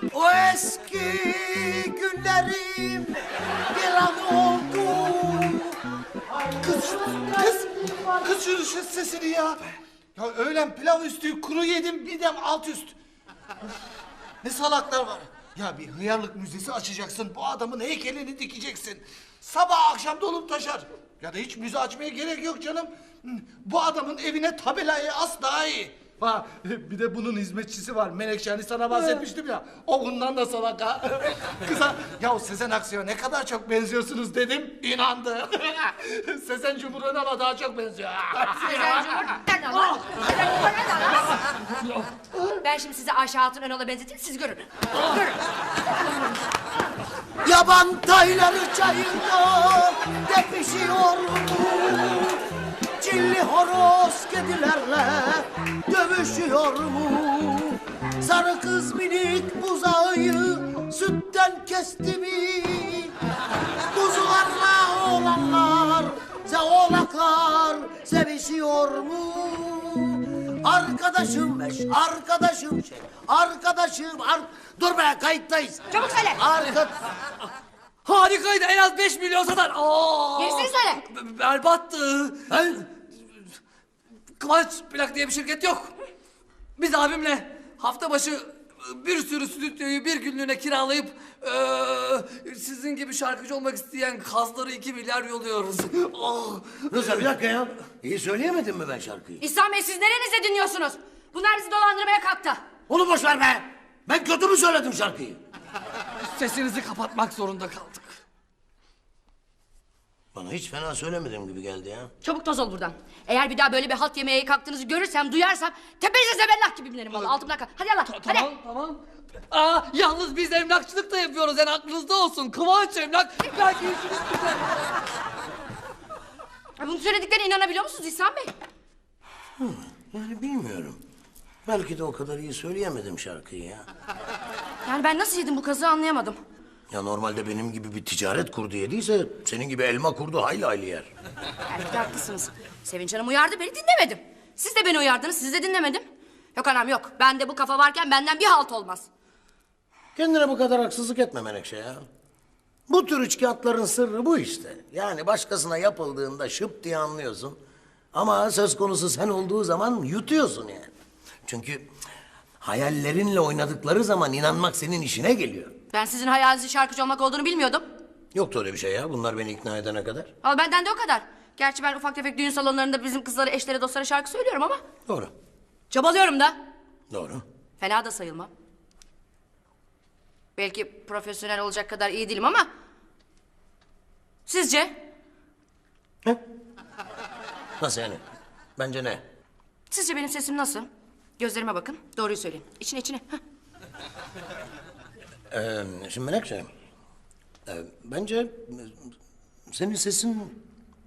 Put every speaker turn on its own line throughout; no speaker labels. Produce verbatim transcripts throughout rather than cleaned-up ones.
O eski günlerim bir an oldu.
Kız, kız, kız şu, şu sesini ya. Ya öğlen pilav üstü kuru yedim, midem alt üst. Ne salaklar var. Ya bir hıyarlık müzesi açacaksın, bu adamın heykelini dikeceksin. Sabah akşam dolup taşar. Ya da hiç müze açmaya gerek yok canım. Bu adamın evine tabelayı as daha iyi. Ha, bir de bunun hizmetçisi var. Menekşe, hani sana bahsetmiştim ya. O bundan da salak ha. Kıza, ya Sezen Aksu'ya ne kadar çok benziyorsunuz dedim. İnandı. Sezen Cumhur'a daha çok benziyor.
Sezen Cumhur, nereden lan? Sezen Cumhur nereden lan? Ben şimdi sizi Ayşe Hatun Önal'a benzeteyim, siz görün. Görün.
Yaban tayları çayında tepişiyor mu? Çilli horoz kedilerle dövüşüyor mu? Sarı kız minik buzağıyı sütten kesti mi? Kuzularla oğlanlar, se oğlaklar sevişiyor mu? Arkadaşım beş, arkadaşım şey, arkadaşım ar... Dur be, kayıttayız.
Çabuk söyle.
Arka...
Harikaydı, en az beş milyon satar. Aa!
Gerisini söyle.
B- Berbattı.
Ben...
Kıvanç Plak diye bir şirket yok. Biz abimle hafta başı bir sürü stüdyoyu bir günlüğüne kiralayıp eee, sizin gibi şarkıcı olmak isteyen kazları iki milyar yolluyoruz. Oh.
Rıza bir dakika ya. İyi söyleyemedim mi ben şarkıyı?
İhsan Bey, siz nerenizde dinliyorsunuz? Bunlar bizi dolandırmaya kalktı.
Onu boş ver be. Ben kötü mü söyledim şarkıyı?
Sesinizi kapatmak zorunda kaldık.
Bana hiç fena söylemedim gibi geldi ya.
Çabuk toz ol buradan. Eğer bir daha böyle bir halt yemeye kalktığınızı görürsem, duyarsam... ...tepenize zebellah gibi binerim valla, altımdan kal. Hadi yallah, hadi.
Tamam, tamam. Aa, yalnız biz emlakçılık da yapıyoruz, yani aklınızda olsun. Kıvanç Emlak, belki işiniz güzel.
Bunun söylediklerine inanabiliyor musunuz İhsan Bey?
Yani bilmiyorum. Belki de o kadar iyi söyleyemedim şarkıyı ya.
Yani ben nasıl yedim bu kazığı anlayamadım.
Ya normalde benim gibi bir ticaret kurdu yediyse... ...senin gibi elma kurdu hayli hayli yer.
Belki de haklısınız. Sevinç Hanım uyardı, beni dinlemedim. Siz de beni uyardınız, siz de dinlemedim. Yok anam yok, bende bu kafa varken benden bir halt olmaz.
Kendine bu kadar haksızlık etme Menekşe ya. Bu tür üçkağıtların sırrı bu işte. Yani başkasına yapıldığında şıp diye anlıyorsun. Ama söz konusu sen olduğu zaman yutuyorsun yani. Çünkü hayallerinle oynadıkları zaman inanmak senin işine geliyor.
Ben sizin hayalinizin şarkıcı olmak olduğunu bilmiyordum.
Yoktu öyle bir şey ya. Bunlar beni ikna edene kadar.
Ama benden de o kadar. Gerçi ben ufak tefek düğün salonlarında bizim kızlara, eşlere, dostlara şarkı söylüyorum ama...
Doğru.
...çabalıyorum da.
Doğru.
Fena da sayılmam. Belki profesyonel olacak kadar iyi değilim ama... Sizce?
He? Nasıl yani? Bence ne?
Sizce benim sesim nasıl? Gözlerime bakın, doğruyu söyleyin. İçine içine. Heh.
Ee, şimdi Menekşe... e, bence... e, senin sesin...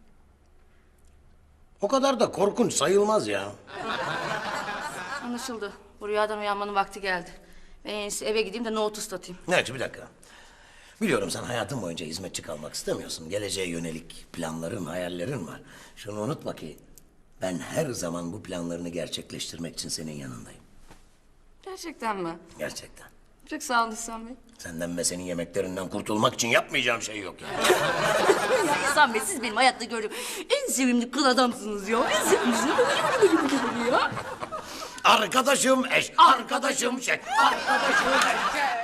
o kadar da korkunç sayılmaz ya.
Anlaşıldı. Bu rüyadan uyanmanın vakti geldi. Ben en iyisi eve gideyim de nohut ıslatayım.
Evet, bir dakika. Biliyorum sen hayatın boyunca hizmetçi kalmak istemiyorsun. Geleceğe yönelik planların, hayallerin var. Şunu unutma ki... ben her zaman bu planlarını gerçekleştirmek için senin yanındayım.
Gerçekten mi?
Gerçekten.
Çok sağ olun İhsan Bey.
Senden ve senin yemeklerinden kurtulmak için yapmayacağım şey yok yani.
Ya İhsan Bey, siz benim hayatta gördüğüm en sevimli kıl adamsınız ya. En sevimlisi ya.
Arkadaşım eş, arkadaşım şey, arkadaşım eş.